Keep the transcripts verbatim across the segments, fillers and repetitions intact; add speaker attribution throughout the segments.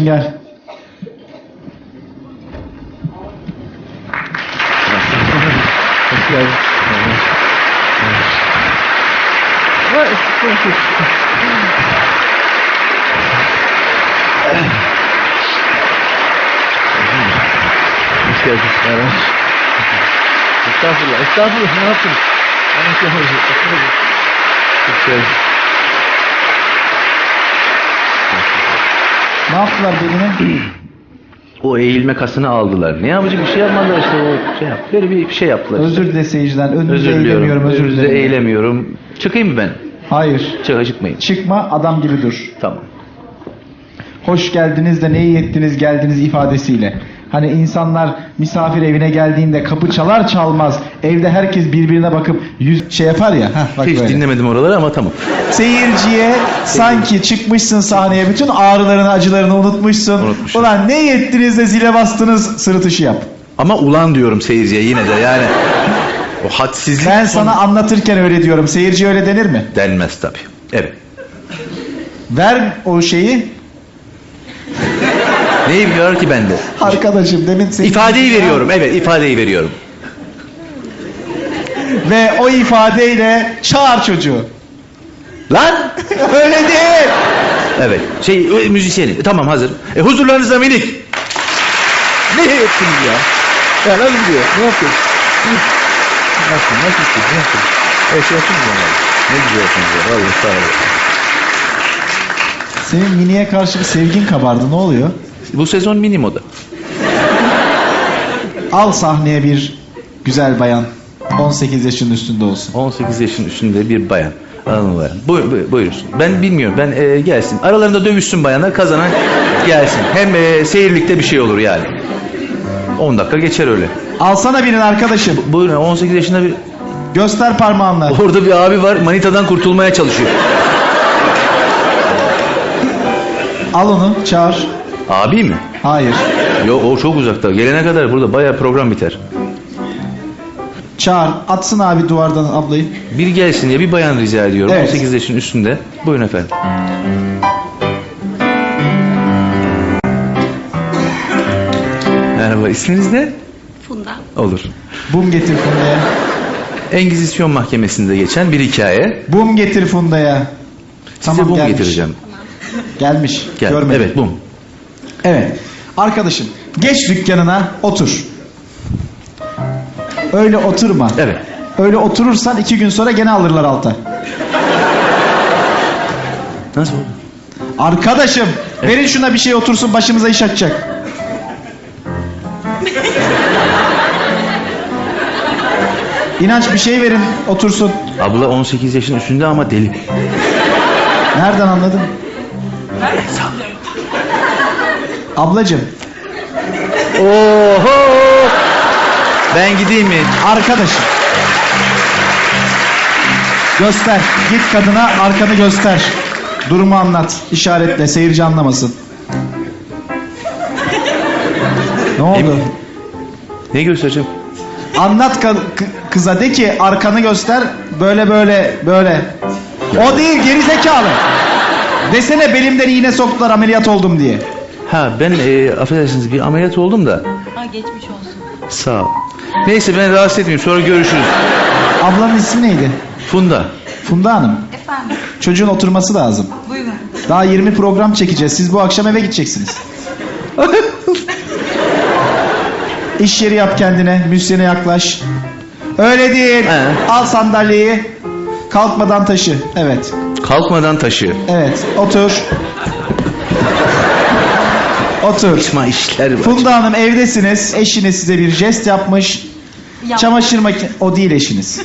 Speaker 1: Arkadaşım gel.
Speaker 2: Hoş geldin. Hoş geldin. Merhaba. Estağfurullah. Estağfurullah. Ne yaptınız? Hoş geldin.
Speaker 1: Ne yaptılar belime?
Speaker 2: O eğilme kasını aldılar. Ne yapacak bir şey yapmadılar işte o şey yap. Böyle bir şey yaptılar.
Speaker 1: Özür
Speaker 2: işte.
Speaker 1: dile seyirciden. Önünüze
Speaker 2: Özür
Speaker 1: eğilemiyorum.
Speaker 2: diliyorum.
Speaker 1: Özür
Speaker 2: Önünüze
Speaker 1: dilerim.
Speaker 2: eğilemiyorum. Çıkayım mı ben?
Speaker 1: Hayır.
Speaker 2: Çık, çıkmayın.
Speaker 1: Çıkma, adam gibi dur.
Speaker 2: Tamam.
Speaker 1: Hoş geldiniz de ne iyi ettiniz geldiniz ifadesiyle. Hani insanlar misafir evine geldiğinde kapı çalar çalmaz evde herkes birbirine bakıp yüz şey yapar ya. Heh, bak
Speaker 2: Hiç
Speaker 1: böyle.
Speaker 2: dinlemedim oraları ama tamam.
Speaker 1: Seyirciye sanki çıkmışsın sahneye bütün ağrılarını acılarını unutmuşsun.
Speaker 2: Unutmuşum.
Speaker 1: Ulan ne iyi ettiniz de zile bastınız sırıtışı yap.
Speaker 2: Ama ulan diyorum seyirciye yine de yani. O hadsizlik.
Speaker 1: Ben
Speaker 2: son-
Speaker 1: sana anlatırken öyle diyorum. Seyirciye öyle denir mi?
Speaker 2: Denmez tabii. Evet.
Speaker 1: Ver o şeyi.
Speaker 2: Neyi biliyor ki bende?
Speaker 1: Arkadaşım demin senin...
Speaker 2: İfadeyi veriyorum. Evet, ifadeyi veriyorum.
Speaker 1: Ve o ifadeyle çağır çocuğu.
Speaker 2: Lan!
Speaker 1: Öyle değil.
Speaker 2: Evet. Şey, o müzisyeni. Tamam hazır. E, huzurlarınızda minik. Ne yaptınız ya? Ya nasıl diyor? Ne yapıyorsun? Nasıl? Nasıl istiyorsun? Ne yapıyorsun? Evet, şey yaptınız ya. Ne güzelsiniz ya. Vallahi sağ olun.
Speaker 1: Senin miniye karşı bir sevgin kabardı. Ne oluyor?
Speaker 2: Bu sezon mini moda.
Speaker 1: Al sahneye bir güzel bayan. on sekiz yaşının üstünde olsun.
Speaker 2: on sekiz yaşın üstünde bir bayan. Hanımlar. Buyur, buyur, buyursun. Ben bilmiyorum. Ben e, gelsin. Aralarında dövüşsün bayanlar. Kazanan gelsin. Hem e, seyirlikte bir şey olur yani. on dakika geçer öyle.
Speaker 1: Alsana birinin arkadaşım.
Speaker 2: Buyurun. on sekiz yaşında bir...
Speaker 1: Göster parmağınla.
Speaker 2: Orada bir abi var. Manitadan kurtulmaya çalışıyor.
Speaker 1: Al onu çağır.
Speaker 2: Abi mi?
Speaker 1: Hayır.
Speaker 2: Yok o çok uzakta. Gelene kadar burada bayağı program biter.
Speaker 1: Çağır. Atsın abi duvardan ablayı.
Speaker 2: Bir gelsin diye bir bayan rica ediyorum.
Speaker 1: Evet.
Speaker 2: on sekiz yaşın üstünde. Buyurun efendim. Merhaba. İsminiz ne?
Speaker 3: Funda.
Speaker 2: Olur.
Speaker 1: Bum getir Funda'ya.
Speaker 2: Engizisyon Mahkemesi'nde geçen bir hikaye.
Speaker 1: Bum getir Funda'ya.
Speaker 2: Size bum
Speaker 1: gelmiş.
Speaker 2: getireceğim.
Speaker 1: Gelmiş.
Speaker 2: Gel.
Speaker 1: Görmedim.
Speaker 2: Evet bum.
Speaker 1: Evet. Arkadaşım geç dükkanına otur. Öyle oturma.
Speaker 2: Evet.
Speaker 1: Öyle oturursan iki gün sonra gene alırlar alta.
Speaker 2: Nasıl oldu?
Speaker 1: Arkadaşım verin şuna bir şey otursun başımıza iş açacak. İnanç bir şey verin otursun.
Speaker 2: Abla on sekiz yaşın üstünde ama deli.
Speaker 1: Nereden anladın? Ablacım
Speaker 2: Oho! Ben gideyim mi?
Speaker 1: arkadaşım. Göster. Git kadına arkanı göster. Durumu anlat. İşaretle seyirci anlamasın. Ne oldu?
Speaker 2: Ne göstereceğim?
Speaker 1: Anlat ka- k- kıza de ki arkanı göster. Böyle böyle böyle. O değil gerizekalı. Desene belimden iğne soktular ameliyat oldum diye.
Speaker 2: Ha ben e, affedersiniz bir ameliyat oldum da.
Speaker 3: Aa, geçmiş olsun.
Speaker 2: Sağ ol. Neyse ben rahatsız etmeyeyim sonra görüşürüz.
Speaker 1: Ablanın ismi neydi?
Speaker 2: Funda.
Speaker 1: Funda Hanım.
Speaker 3: Efendim,
Speaker 1: Çocuğun oturması lazım.
Speaker 3: buyurun.
Speaker 1: Daha yirmi program çekeceğiz. Siz bu akşam eve gideceksiniz. İş yeri yap kendine. Müzisyene yaklaş. Öyle değil.
Speaker 2: He.
Speaker 1: Al sandalyeyi. Kalkmadan taşı. Evet.
Speaker 2: Kalkmadan taşı.
Speaker 1: Evet. Otur. Otur.
Speaker 2: Saçma işler var.
Speaker 1: Funda Hanım evdesiniz. Eşiniz size bir jest yapmış.
Speaker 3: Ya-
Speaker 1: Çamaşır makine... O değil eşiniz.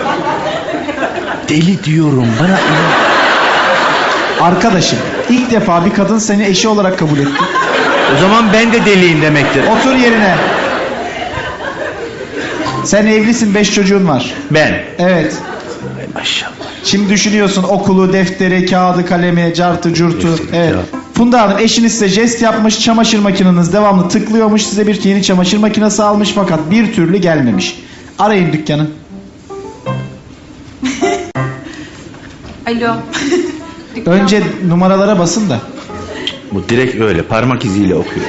Speaker 2: Deli diyorum bana. inan.
Speaker 1: Arkadaşım. İlk defa bir kadın seni eşi olarak kabul etti.
Speaker 2: O zaman ben de deliyim demektir.
Speaker 1: Otur yerine. Sen evlisin. Beş çocuğun var.
Speaker 2: Ben.
Speaker 1: Evet.
Speaker 2: Ay maşallah.
Speaker 1: Şimdi düşünüyorsun okulu, defteri, kağıdı, kalemi, cartı, curtu.
Speaker 2: Defteri,
Speaker 1: Evet.
Speaker 2: kağıt.
Speaker 1: Funda Hanım eşiniz size jest yapmış. Çamaşır makineniz devamlı tıklıyormuş. Size bir yeni çamaşır makinesi almış fakat bir türlü gelmemiş. Arayın dükkanı.
Speaker 3: Alo.
Speaker 1: Önce numaralara basın da.
Speaker 2: Bu direkt öyle parmak iziyle okuyor.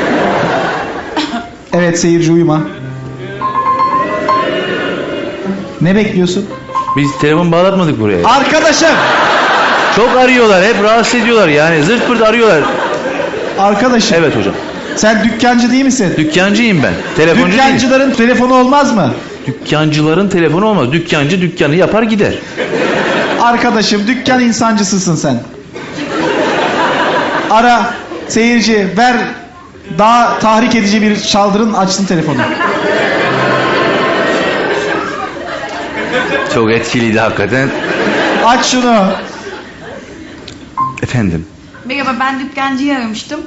Speaker 1: Evet seyirci uyuma. Ne bekliyorsun?
Speaker 2: Biz telefon bağlatmadık buraya.
Speaker 1: Arkadaşım!
Speaker 2: Çok arıyorlar, hep rahatsız ediyorlar yani. Zırt pırt arıyorlar.
Speaker 1: Arkadaşım.
Speaker 2: Evet hocam.
Speaker 1: Sen dükkancı değil misin?
Speaker 2: Dükkancıyım ben. Telefoncu değilim.
Speaker 1: Dükkancıların telefonu olmaz mı?
Speaker 2: Dükkancıların telefonu olmaz. Dükkancı dükkanı yapar gider.
Speaker 1: Arkadaşım dükkan insancısısın sen. Ara seyirci ver daha tahrik edici bir çaldırın açsın telefonu.
Speaker 2: Çok etkiliydi hakikaten.
Speaker 1: Aç şunu.
Speaker 2: Efendim.
Speaker 3: Merhaba, ben dükkancıyı aramıştım.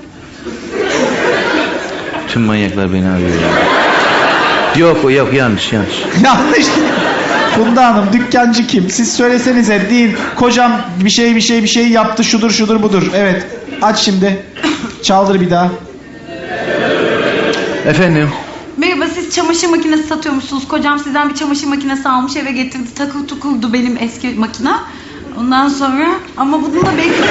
Speaker 2: Tüm manyaklar beni arıyor ya. Yok o yok yanlış yanlış.
Speaker 1: Yanlış. Funda Hanım dükkancı kim? Siz söylesenize değil. Kocam bir şey bir şey bir şey yaptı şudur şudur budur. Evet. Aç şimdi. Çaldır bir daha.
Speaker 2: Efendim.
Speaker 3: Merhaba, siz çamaşır makinesi satıyormuşsunuz. Kocam sizden bir çamaşır makinesi almış, eve getirdi. Takır tukurdu benim eski makina. Ondan sonra ama bunu da belki...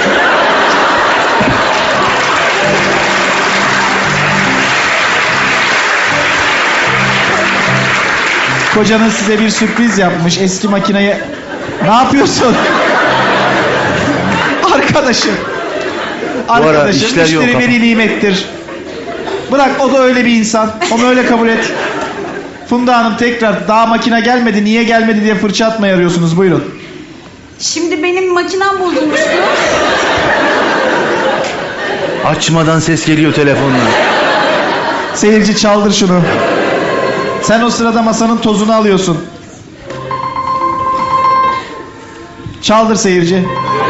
Speaker 1: Kocanız size bir sürpriz yapmış. Eski makineyi... Ne yapıyorsun? Arkadaşım.
Speaker 2: ara
Speaker 1: Arkadaşım
Speaker 2: işler yok
Speaker 1: müşteri
Speaker 2: ama.
Speaker 1: veli nimettir. Bırak o da öyle bir insan. Onu öyle kabul et. Funda Hanım tekrar daha makine gelmedi niye gelmedi diye fırça atmaya arıyorsunuz buyurun.
Speaker 3: Şimdi benim makinem bozulmuştu.
Speaker 2: Açmadan ses geliyor telefondan.
Speaker 1: Seyirci çaldır şunu. Sen o sırada masanın tozunu alıyorsun. Çaldır seyirci.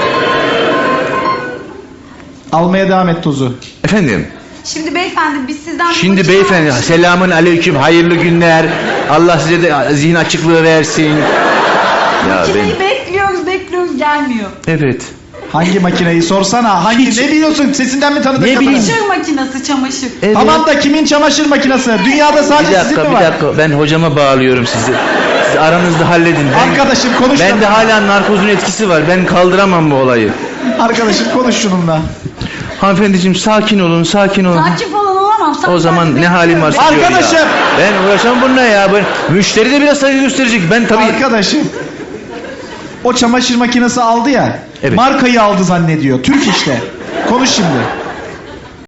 Speaker 1: Almaya devam et tozu.
Speaker 2: Efendim.
Speaker 3: Şimdi beyefendi biz sizden... bir
Speaker 2: Şimdi
Speaker 3: makine
Speaker 2: beyefendi
Speaker 3: almıştık.
Speaker 2: selamün aleyküm hayırlı günler. Allah size de zihin açıklığı versin. Ya
Speaker 3: Makineyi
Speaker 2: ben...
Speaker 3: bekliyoruz bekliyoruz gelmiyor.
Speaker 2: Evet.
Speaker 1: Hangi makineyi sorsana. Hangi
Speaker 2: Hiç-
Speaker 1: ne biliyorsun? Sesinden mi tanıdın
Speaker 2: Ne
Speaker 1: kadını?
Speaker 2: bileyim.
Speaker 3: Çamaşır makinesi çamaşır.
Speaker 2: Evet.
Speaker 1: Tamam da kimin çamaşır makinesi? Dünyada
Speaker 2: Bir
Speaker 1: sadece sizin
Speaker 2: dakika
Speaker 1: mi
Speaker 2: bir
Speaker 1: var?
Speaker 2: dakika ben hocama bağlıyorum sizi. Siz aranızda halledin. Ben,
Speaker 1: Arkadaşım konuş.
Speaker 2: bende
Speaker 1: da-
Speaker 2: hala narkozun etkisi var. Ben kaldıramam bu olayı.
Speaker 1: Arkadaşım konuş şununla.
Speaker 2: Hanımefendiciğim sakin olun sakin olun.
Speaker 3: Sakin falan olamam.
Speaker 2: O zaman ne halim varsa gör ya.
Speaker 1: Arkadaşım.
Speaker 2: Ben uğraşamam bununla ya. Ben, müşteri de biraz saygı gösterecek. Ben tabii...
Speaker 1: Arkadaşım. O çamaşır makinesi aldı ya.
Speaker 2: Evet.
Speaker 1: Markayı aldı zannediyor. Türk işte. Konuş şimdi.